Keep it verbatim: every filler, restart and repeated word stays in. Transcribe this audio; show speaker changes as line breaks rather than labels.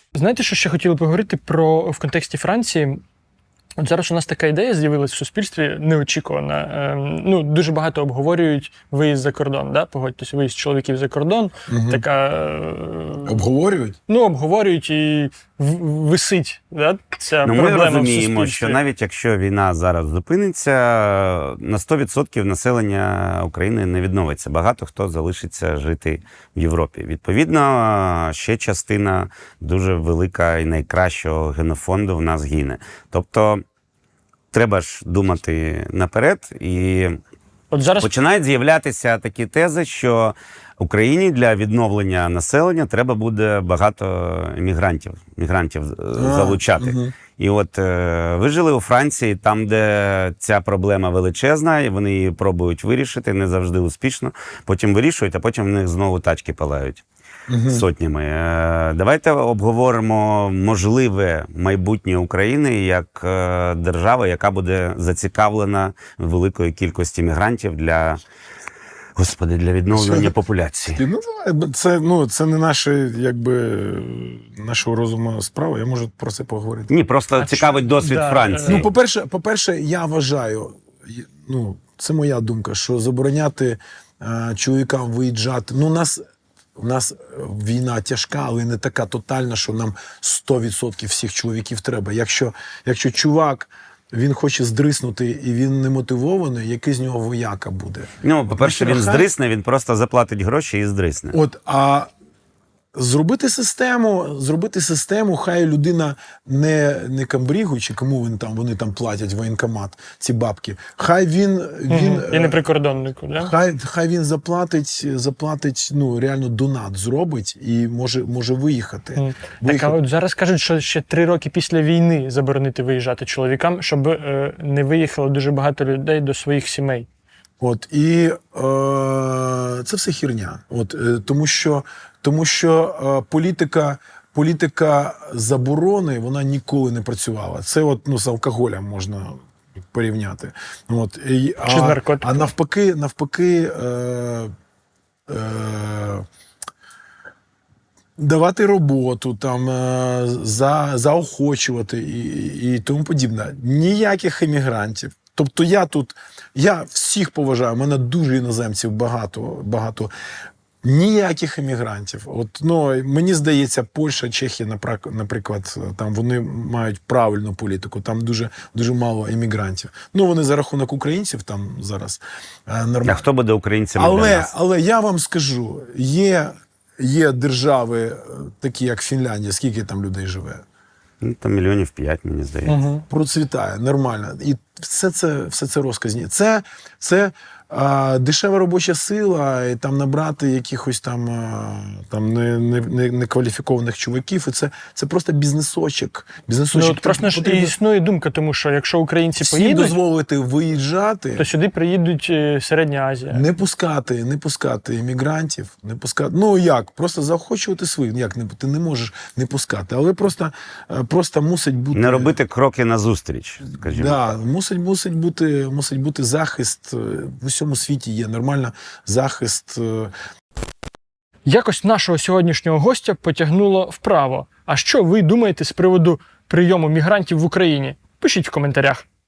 Знаєте, що ще хотіли поговорити про в контексті Франції? От зараз у нас така ідея з'явилась в суспільстві неочікувана. Ну, дуже багато обговорюють виїзд за кордон, да? Погодьтесь, виїзд чоловіків за кордон.
Угу.
Така...
Обговорюють?
Ну, обговорюють і висить, да? Ця
ну,
проблема в суспільстві.
Ми розуміємо, що навіть якщо війна зараз зупиниться, на сто відсотків населення України не відновиться. Багато хто залишиться жити в Європі. Відповідно, ще частина дуже велика і найкращого генофонду в нас гине. Тобто, треба ж думати наперед, і
От зараз...
починають з'являтися такі тези, що Україні для відновлення населення треба буде багато мігрантів, мігрантів а, залучати. Угу. І от е, ви жили у Франції, там, де ця проблема величезна, і вони її пробують вирішити, не завжди успішно, потім вирішують, а потім в них знову тачки палають. Угу. Сотнями. Давайте обговоримо можливе майбутнє України як держава, яка буде зацікавлена великою кількості мігрантів для, господи, для відновлення Що? популяції.
Ну, це, ну, це не наше, якби, нашого розуму справа, я можу про це поговорити.
Ні, просто а цікавить що? досвід да. Франції.
Ну, по-перше, по-перше, я вважаю, ну, це моя думка, що забороняти а, чоловікам виїжджати, ну, нас... У нас війна тяжка, але не така тотальна, що нам сто відсотків всіх чоловіків треба. Якщо, якщо чувак, він хоче здриснути і він не мотивований, який з нього вояка буде?
Ну, по-перше, він здрисне, він просто заплатить гроші і здрисне.
От, а зробити систему, зробити систему, хай людина не, не камбрігу, чи кому він там, вони там платять воєнкомат, ці бабки. Хай він... він
угу. І не прикордоннику, да?
Хай, хай він заплатить, заплатить, ну, реально донат зробить і може, може виїхати.
Mm. Так, а от зараз кажуть, що ще три роки після війни заборонити виїжджати чоловікам, щоб е, не виїхало дуже багато людей до своїх сімей.
От, і е, це все херня. От, е, тому що, тому що е, політика, політика заборони, вона ніколи не працювала. Це от, ну, з алкоголем можна порівняти. От, і,
Чи з наркотиками.
А навпаки, навпаки е, е, давати роботу, там, е, за, заохочувати і, і тому подібне. Ніяких емігрантів. Тобто я тут, я всіх поважаю, у мене дуже іноземців багато, багато. Ніяких емігрантів. От, ну, мені здається, Польща, Чехія, наприклад, там вони мають правильну політику, там дуже, дуже мало емігрантів. Ну, вони за рахунок українців там зараз нормально.
А хто буде українцями
але,
для нас?
Але я вам скажу, є, є держави, такі як Фінляндія, скільки там людей живе?
Ну, там мільйонів п'ять, мені здається.
Угу. Процвітає, нормально. І все це, все це розказні. Це, це а, дешева робоча сила, і там набрати якихось там, а, там не, не, не, некваліфікованих чуваків, і це, це просто бізнесочок. бізнесочок.
Ну, от просто ж і існує думка, тому що якщо українці
всім
поїдуть,
дозволити виїжджати,
то сюди приїдуть Середня Азія.
Не пускати, не пускати іммігрантів, не пускати. Ну як? Просто заохочувати своїх. Як не ти не можеш не пускати, але просто, просто мусить бути
не робити кроки назустріч, скажімо.
Да, мусить, мусить бути, мусить бути захист. В усьому світі є нормально захист.
Якось нашого сьогоднішнього гостя потягнуло вправо. А що ви думаєте з приводу прийому мігрантів в Україні? Пишіть в коментарях.